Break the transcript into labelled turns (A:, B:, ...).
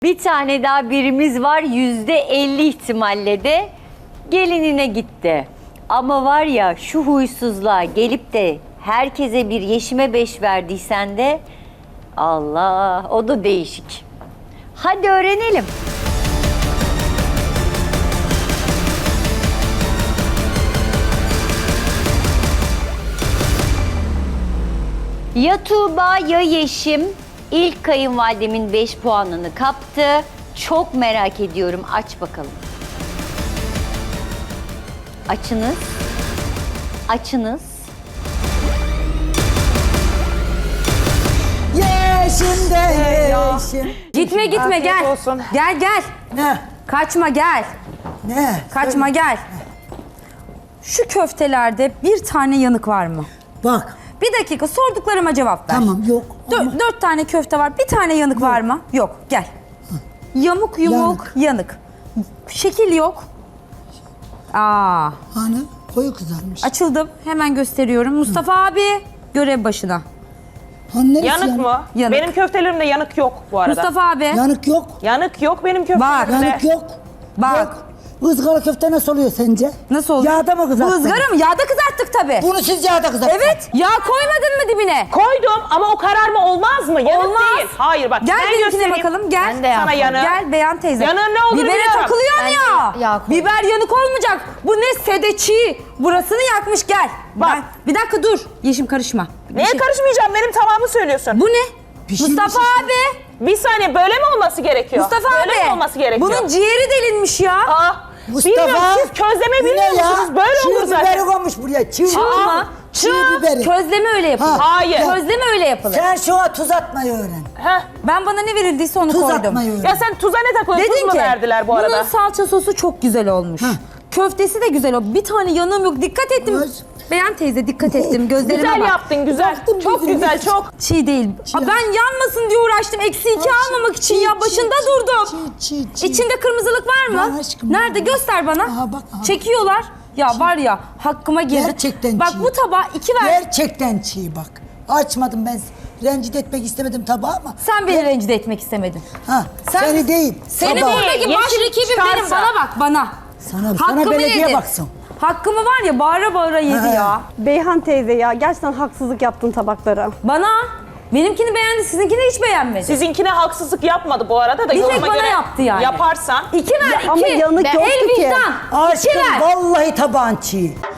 A: Bir tane daha birimiz var, %50 ihtimalle de gelinine gitti. Ama var ya şu huysuzluğa gelip de herkese bir yeşime 5 verdiysen de Allah, o da değişik. Hadi öğrenelim. Ya Tuğba ya Yeşim ilk kayınvalidemin 5 puanını kaptı. Çok merak ediyorum. Aç bakalım. Açınız. Açınız.
B: Yeşim de yeşim.
C: Gitme
D: Afiyet
C: gel.
D: olsun.
C: Gel gel.
B: Ne?
C: Kaçma gel.
B: Ne?
C: Kaçma gel. Şu köftelerde bir tane yanık var mı?
B: Bak.
C: Bir dakika sorduklarıma cevap ver.
B: Tamam yok. ama
C: 4 tane köfte var. Bir tane yanık var mı? Yok. Gel. Yamuk yumuk yanık. Şekil yok. Aa,
B: Hani koyu kızarmış.
C: açıldım. Hemen gösteriyorum. Mustafa abi görev başına.
B: Hani neresi
D: Yanık mı?
C: Yanık.
D: Benim köftelerimde yanık yok bu arada.
C: Mustafa abi.
B: Yanık yok.
D: Yanık yok benim
C: Bak.
D: köftelerimde.
B: Yanık yok.
C: Bak.
B: Yok. Izgara köfte nasıl oluyor sence?
C: Nasıl oluyor?
B: Yağda mı
C: Bu
B: kızarttın?
C: ızgara mı? Yağda kızarttık tabii.
B: Bunu siz yağda kızarttın.
C: Evet. Yağ koymadın mı dibine?
D: Koydum ama o kararma olmaz mı? Yanık
C: Olmaz.
D: değil. Hayır bak
C: Gel
D: ben
C: benimkine
D: göstereyim.
C: bakalım. Gel.
A: Ben de yağ
D: Sana yanık.
C: Gel Beyan teyze.
D: Yanığın ne olduğunu
C: Bibere
D: biliyorum.
C: takılıyor
A: Ben de
C: ya.
A: yağ koydum.
C: Biber yanık olmayacak. Bu ne sedeçi. Burasını yakmış gel.
D: Bak.
C: Bir dakika dur. Yeşim karışma.
D: Neye karışmayacağım? Benim tamamı söylüyorsun.
C: Bu ne?
B: Pişirmiş
C: Mustafa
B: işte.
C: abi.
D: Bir saniye böyle mi olması gerekiyor?
C: Mustafa
D: böyle
C: abi.
D: mi olması gerekiyor?
C: Bunun ciğeri delinmiş ya.
D: Aa,
B: Mustafa.
D: bilmiyorum siz közleme
B: bu ne
D: bilmiyor
B: ya?
D: musunuz? Böyle
B: Çiğ
D: olur zaten.
B: biberi konmuş buraya. Çiğ
C: Çığ mı?
B: Çiğ biberi.
C: Közleme öyle yapılır.
B: Ha.
D: Hayır.
C: Közleme öyle yapılır.
B: Sen şuna tuz atmayı öğren.
D: Heh.
C: Ben bana ne verildiyse onu
B: Tuz
C: koydum.
B: atmayı öğren.
D: Ya sen tuza ne takıyorsun? Tuz
C: Dedin
D: mu
C: ki
D: verdiler bu arada?
C: bunun salça sosu çok güzel olmuş. Köftesi de güzel olmuş. Bir tane yanığım yok. Dikkat ettim.
B: Öz.
C: Beyan teyze dikkat ettim. Gözlerime
D: Güzel
C: bak.
D: yaptın güzel. Çok
B: gözüme.
D: güzel çok.
C: Çiğ değil. Aa, ben yanmasın diye uğraştım. Eksi 2 almamak için ya. Başında durdum.
B: Çiğ.
C: İçinde kırmızılık var mı?
B: Var aşkım,
C: Nerede?
B: var.
C: Göster bana.
B: Aha, bak, aha.
C: Çekiyorlar. Ya var ya hakkıma girdi.
B: Gerçekten
C: Bak
B: çiğ.
C: bu tabağa 2 ver.
B: Gerçekten çiğ bak. Açmadım ben. Rencide etmek istemedim tabağı ama.
C: Sen beni rencide etmek istemedin.
B: Ha, seni değil.
C: Senin
B: tabağı.
C: buradaki
D: Yeşil
C: baş rakibin benim.
D: çıkarsa.
C: Bana bak bana.
B: Sana belediye
C: yedi.
B: baksın.
C: Hakkımı var ya bağıra bağıra yedi
B: Ha.
C: ya.
E: Beyhan teyze ya gerçekten haksızlık yaptın tabaklara.
C: Bana. Benimkini beğendi, sizinkini hiç beğenmedi.
D: Sizinkine haksızlık yapmadı bu arada da
C: Bir tek
D: yoruma
C: bana
D: göre
C: yaptı yani.
D: yaparsan.
C: 2 ver, 2.
E: ama yanık yoktu
C: El
E: ki.
C: vicdan. 2
B: Aşkım
C: ver.
B: vallahi tabağın çiğ.